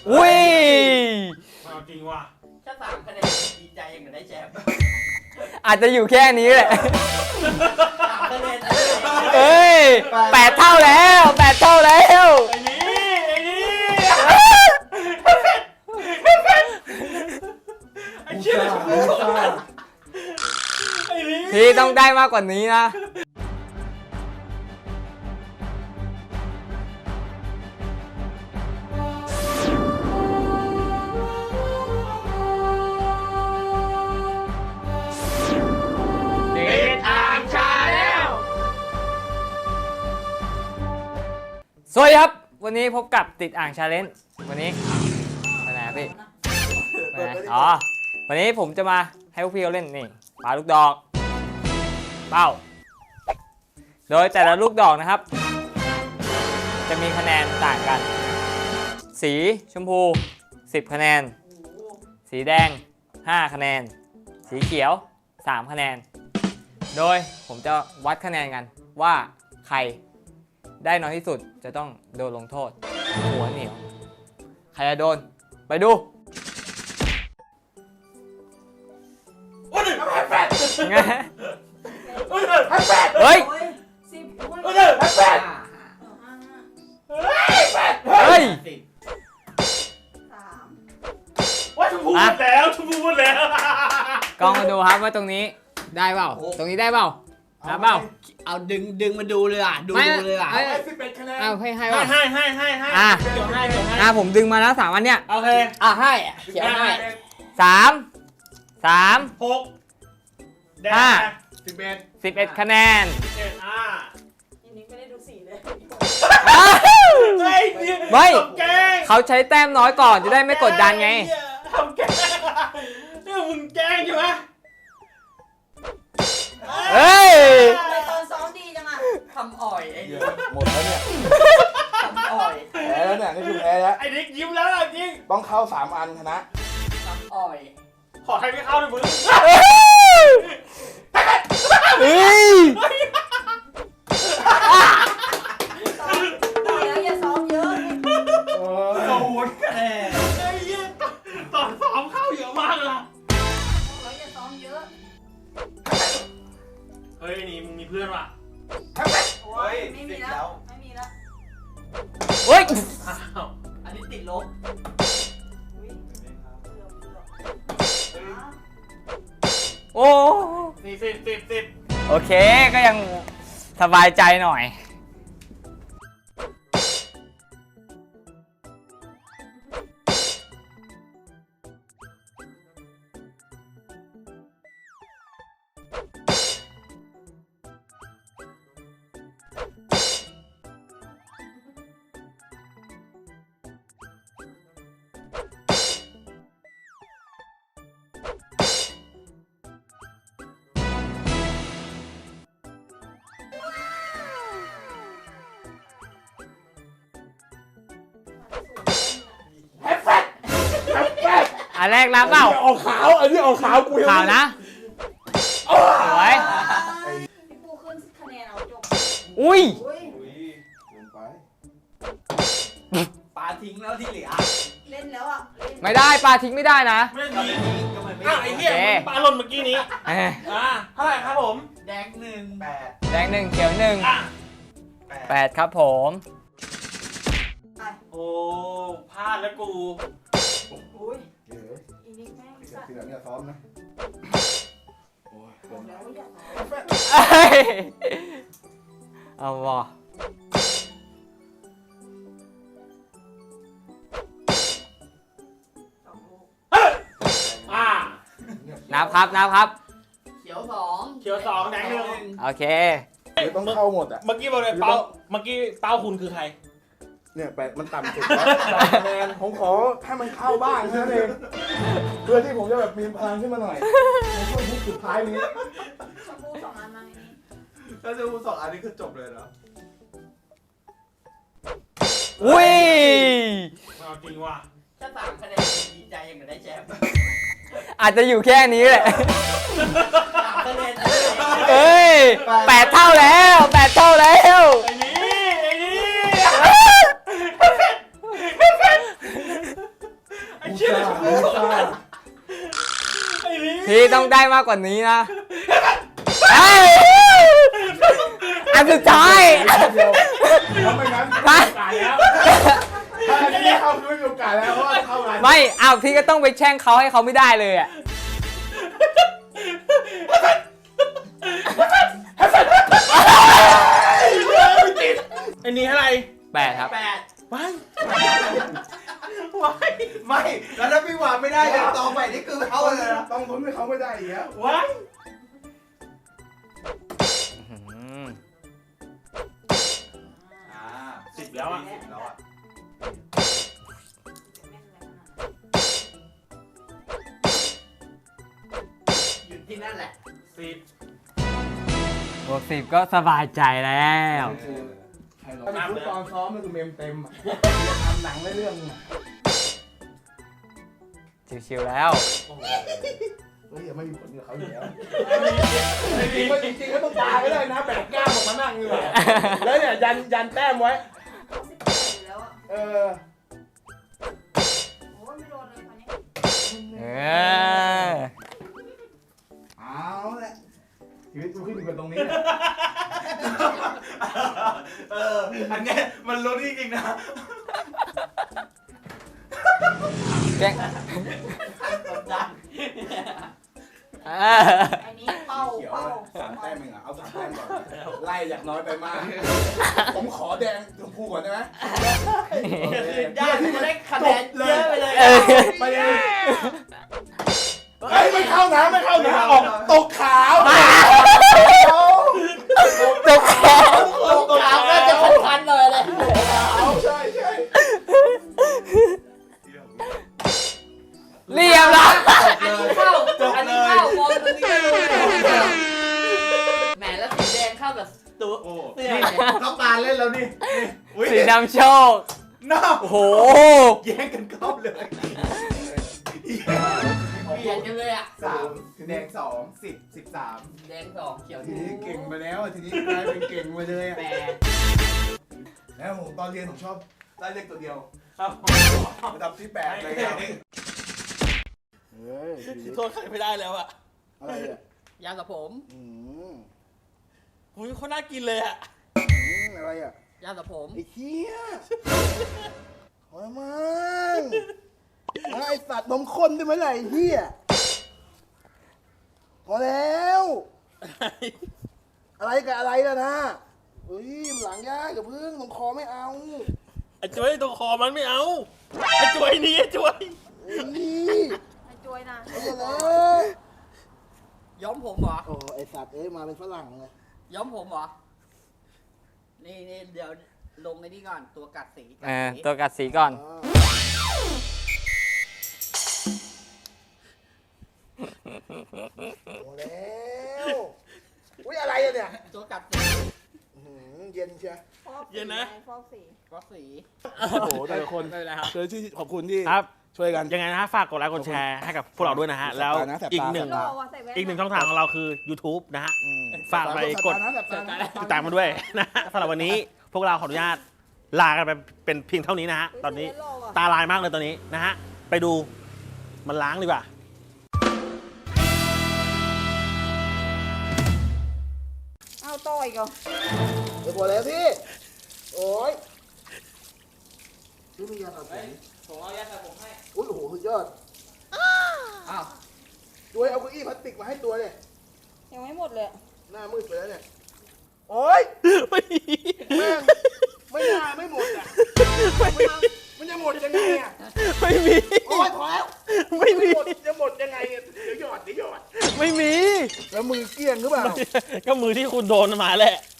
อุ้ยเอาจริงว่ะแค่3 คะแนนดีใจยังได้แชมป์อาจจะอยู่แค่นี้แหละ 3 คะแนนเอ้ย8 เท่าแล้ว8 เท่าแล้วไอ้นี่ไอ้เชี่ยไอ้นี่พี่ต้องได้มากกว่านี้นะสวัสดีครับวันนี้พบกับติดอ่างชาเลนจ์วันนี้ไปไหนพี่ไปไหนอ๋อวันนี้ผมจะมาให้พวกพี่เขาเล่นนี่ปาลูกดอกเป้าโดยแต่ละลูกดอกนะครับจะมีคะแนนต่างกันสีชมพู10 คะแนนสีแดง5 คะแนนสีเขียว3 คะแนนโดยผมจะวัดคะแนนกันว่าใครได้น้อยที่สุดจะต้องโดนลงโทษหัวเหนียวใครจะโดนไปดูไงเฮ้ยเฮ้ยว่าชมพูหมดแล้วชมพูหมดแล้วกล้องมาดูครับว่าตรงนี้ได้เปล่าตรงนี้ได้เปล่านะเปล่าเอาดึงมาดูเลยอ่ะดูเลยอ่ะ 11 คะแนนเอาให้ให้เดี๋ยวให้ผมดึงมาแล้ว3 อันเนี้ยโอเคให้เขียนให้ 3 6 11 คะแนนนี่ไม่ได้ดูสีเลยไม่เขาใช้แต้มน้อยก่อนจะได้ไม่กดดันไงทำแกล้งนี่มึงแกล้งใช่ไหมเฮ้ยตอนซ้อมดีจังอ่ะทำอ่อยไอ้นี่หมดแล้วเนี่ยทำอ่อยแพ้แล้วเนี่ยนี่คือแพ้แล้วไอ้นิกยิ้มแล้วจริงต้องเข้า3 อันชนะทำอ่อยขอใครไม่เข้าด้วยมึงเฮ้ยแล้วอย่าซ้อมเยอะ 0 คะแนนไอ้เหี้ยตอนซ้อมเข้าเยอะมากเลยแล้วอย่าซ้อมเยอะเฮ้ยนี่มึงมีเพื่อนว่ะโอ้ยไม่มีแล้วไม่มีแล้วเฮ้ยอันนี้ติดลบโอ้ 10 โอเคก็ยังสบายใจหน่อยอันแรกรับเปล่าออกขาวอันนี้ออกขาวกูขาวนะสวยพี่ปูขึ้นคะแนนเอาจบอุ้ยปาทิ้งแล้วที่เหลือเล่นแล้วอ่ะไม่ได้ปลาทิ้งไม่ได้นะไม่ดีอ้าวไอ้เหี้ยปลาหล่นเมื่อกี้นี้เท่าไหร่ครับผมแดง1 8แดง1เขียว1 8ครับผมโอ้พลาดแล้วกูอุ้ยอีนิกแม่งสัตว์ทีหลังอย่าซ้อมนะเอาว่ะนับครับเขียว2 แดง1 โอเคต้องเข้าหมดอ่ะเมื่อกี้บอกเลยเป้าคุณคือใครเนี่ยมันต่ำสุดแล้วคะแนนผมขอให้มันเข้าบ้างแค่นั้นเองเพื่อที่ผมจะแบบมีพลังขึ้นมาหน่อยในช่วงสุดท้ายนี้ชมพู2 อันมาไงนี่ถ้าชมพู2 อันนี้คือจบเลยเหรออุ้ยเอาจริงว่ะแค่3 คะแนนดีใจยังได้แชมป์อาจจะอยู่แค่นี้แหละ 3 คะแนนเอ้ย8 เท่าแล้ว8 เท่าแล้วไอ้นี่อุตส่าห์อุตส่าห์ไอ้นี่พี่ต้องได้มากกว่านี้นะเฮ้ยอันสุดท้ายเดียวทำไมงั้นไปตายแล้วถ้าอันนี้เข้าคือไม่มีโอกาสแล้วเพราะว่าเข้ามาไม่อ้าวพี่ก็ต้องไปแช่งเขาให้เขาไม่ได้เลยอ่ะไอ้นี่อะไร 8 ครับว้ายไม่แล้วถ้าพี่วางไม่ได้เดี๋ยวต่อไปนี่คือเขาเลยนะต้องพ้นให้เขาไม่ได้อีกแล้วว้าย 10แล้วอ่ะแล้วอ่ะ หยุดที่นั่นแหละ 10 บวก 10 ก็สบายใจแล้วถ้าเป็นฟุตบอลซ้อมมันคือเมมเต็มอ่ะทำหนังได้เรื่องอ่ะชิวๆแล้วเฮ้ยยังไม่มีผลกับเขาอยู่แล้วจริงๆก็ต้องตายก็ได้นะแบกกล้ามออกมานั่งนี่แหละแล้วเนี่ยยันแต้มไว้ 18อยู่แล้วอ่ะเออโอ้ยไม่โดนเลยคนนี้เออเอาแหละชีวิตกูขึ้นอยู่กับตรงนี้แหละอันเนี้ยมันลุ้นจริงๆนะแกล้งกดดันเออไอ้นี้เป้าเขียวเป้า 3 แต้มเองอ่ะเอา3 แต้มก่อนไล่จากน้อยไปมากผมขอแดงชมพูก่อนได้ไหมญาติที่ได้คะแนนเยอะไปเลยไปเลยเฮ้ยไม่เข้านะไม่เข้านะออกตกขาวตกแขนตกขาวก็จะพันๆเลยเลยใช่ใช่เรียบร้อยอันนี้เข้า อันนี้เข้ามองตรงนี้แหมแล้วสีแดงเข้าแบบตัวเสื้อเนี่ยต้องการเล่นแล้วนี่สีนำโชคน้าโอ้โหแย่งกันเข้าเลยเปลี่ยนกันเลยอ่ะ 3แดง2 10 13 แดงสองเขียวทีนี้เก่งไปแล้วทีนี้กลายเป็นเก่งไปเลยแปดแล้วผมตอนเรียนผมชอบได้เลขตัวเดียวครับระดับที่8เลยครับเฮ้ยโทษใครไม่ได้แล้วอ่ะอะไรอ่ะยาสระผมหุยเขาน่ากินเลยอ่ะอะไรอ่ะยาสระผมไอ้เหี้ยโอ้ยมันไอสัตว์นมข้นได้ไหมล่ะไอ้เหี้ยพอแล้ว อะไรกับอะไรล่ะนะเฮ้ยมันหลังยากกับพึ่งตรงคอไม่เอาไอ้จวยตรงคอมันไม่เอา ไอ้จวยนี่ไอ้จวยเฮ้ยไอ้จวยนะเอาเลยย้อมผมเหรอโอ้ไอสัตว์เอ้ยมาเป็นฝรั่งเลยย้อมผมเหรอ นี่เดี๋ยวลงในนี้ก่อน ตัวกัดสีเออตัวกัดสีก่อนโอ้แล้วอุ้ยอะไรอะเนี่ยตัวกัดสีเย็นเชียวฟอกสีเย็นนะไงฟอกสีก็สีโอ้โหแต่ละคนไม่เป็นไรครับเชิญที่ขอบคุณที่ครับช่วยกันยังไงนะฮะฝากกดไลค์กดแชร์ให้กับพวกเราด้วยนะฮะ แล้วแสบตานะแสบตาอีกหนึ่งโลว่ะใส่แว่นอีกหนึ่งช่องทางของเราคือ YouTube นะฮะ ฝากไปกดแสบตานะติดตามมาด้วยนะฮะสำหรับวันนี้พวกเราขออนุญาตลากันไปเป็นเพียงเท่านี้นะฮะ ตอนนี้ใส่แว่โลว่ะตาลายมากเลยตอนนี้นะฮะ ไปดูมันล้างดีกว่าเอาต่ออีกเหรอเดี๋ยวพอแล้วพี่ โอ้ยนี่มียาสระผมผมเอายาสระผมให้อุ้ยโอ้โหสุดยอดอ้าวด้วยเอาเก้าอี้พลาสติกมาให้ตัวเนี่ยยังไม่หมดเลยหน้ามืดไปแล้วเนี่ย โอ้ยแม่งไม่น่าไม่หมดอ่ะมันจะหมดยังไงอ่ะไม่มีโอ้ยพอแล้วไม่มีหมดจะหมดยังไงเนี่ยเดี๋ยวหยอดไม่มีแล้วมือเกลี้ยงหรือเปล่าก็มือที่คุณโดนมาแหละ